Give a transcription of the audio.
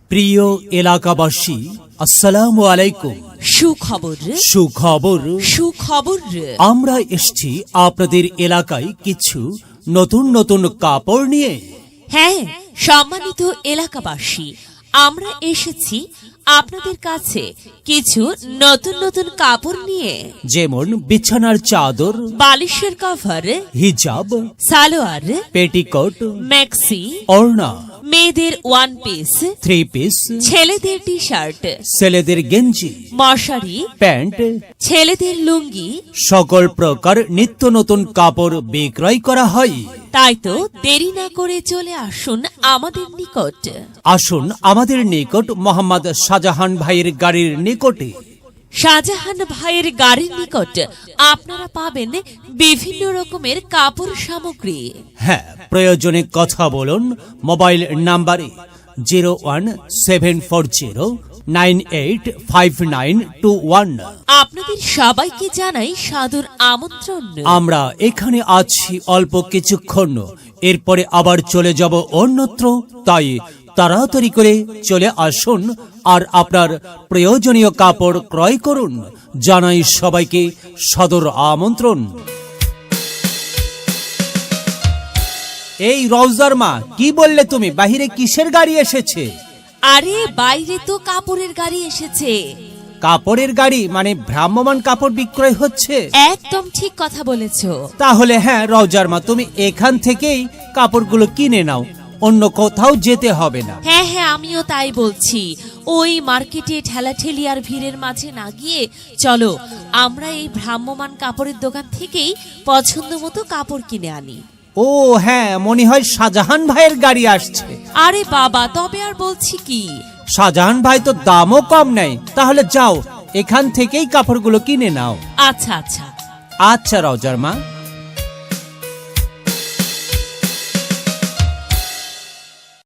প্রিয় এলাকাবাসী, আসসালামু আলাইকুম। সুখবর আমরা এসেছি আপনাদের এলাকায় কিছু নতুন নতুন কাপড় নিয়ে। হ্যাঁ, সম্মানিত এলাকাবাসী, আমরা এসেছি আপনাদের কাছে কিছু নতুন নতুন কাপড় নিয়ে, যেমন বিছানার চাদর, বালিশের কভার, হিজাব, সালোয়ার, পেটিকোট, ম্যাক্সি, ওড়না, মেয়েদের ওয়ান পিস, 3 পিস, ছেলেদের টি শার্ট, ছেলেদের গেঞ্জি, মশারি, প্যান্ট, ছেলেদের লুঙ্গি। সকল প্রকার নিত্য নতুন কাপড় বিক্রয় করা হয়। তাই তো দেরি না করে চলে আসুন আমাদের নিকট। আসুন আমাদের নিকট মোহাম্মদ শাহজাহান ভাইয়ের গাড়ির নিকটে। শাহজাহান ভাইয়ের গাড়ির নিকট আপনারা পাবেন বিভিন্ন রকমের কাপড় সামগ্রী। হ্যাঁ, প্রয়োজনে কথা বলুন মোবাইল নাম্বারে 01740985921। আপনাদের সবাইকে জানাই সাদর আমন্ত্রণ। আমরা এখানে আছি অল্প কিছুক্ষণ, এরপরে আবার চলে যাব অন্যত্র। তাই তাড়াতাড়ি করে চলে আসুন আর আপনার প্রয়োজনীয় কাপড় ক্রয় করুন। জানাই সবাইকে সাদর আমন্ত্রণ। এই রওজার মা, কি বললে তুমি? বাহিরে কিসের গাড়ি এসেছে? আরে বাইরে তো কাপড়ের গাড়ি এসেছে। কাপড়ের গাড়ি মানে ভ্রাম্যমাণ কাপড় বিক্রয় হচ্ছে? একদম ঠিক কথা বলেছো। তাহলে হ্যাঁ রওজার মা, তুমি এখান থেকেই কাপড়গুলো কিনে নাও, অন্য কোথাও যেতে হবে না। হ্যাঁ হ্যাঁ, আমিও তাই বলছি। ওই মার্কেটে ঠেলাঠেলি আর ভিড়ের মাঝে না গিয়ে চলো আমরা এই ভ্রাম্যমাণ কাপড়ের দোকান থেকেই পছন্দ মতো কাপড় কিনে আনি। ও হ্যাঁ, মনে হয় শাহজাহান ভাইয়ের গাড়ি আসছে। আরে বাবা, তবে আর বলছি কি, শাহজাহান ভাই তো দামও কম নেয়। তাহলে যাও, এখান থেকেই কাপড়গুলো কিনে নাও। আচ্ছা আচ্ছা। আচ্ছা রওজার মা।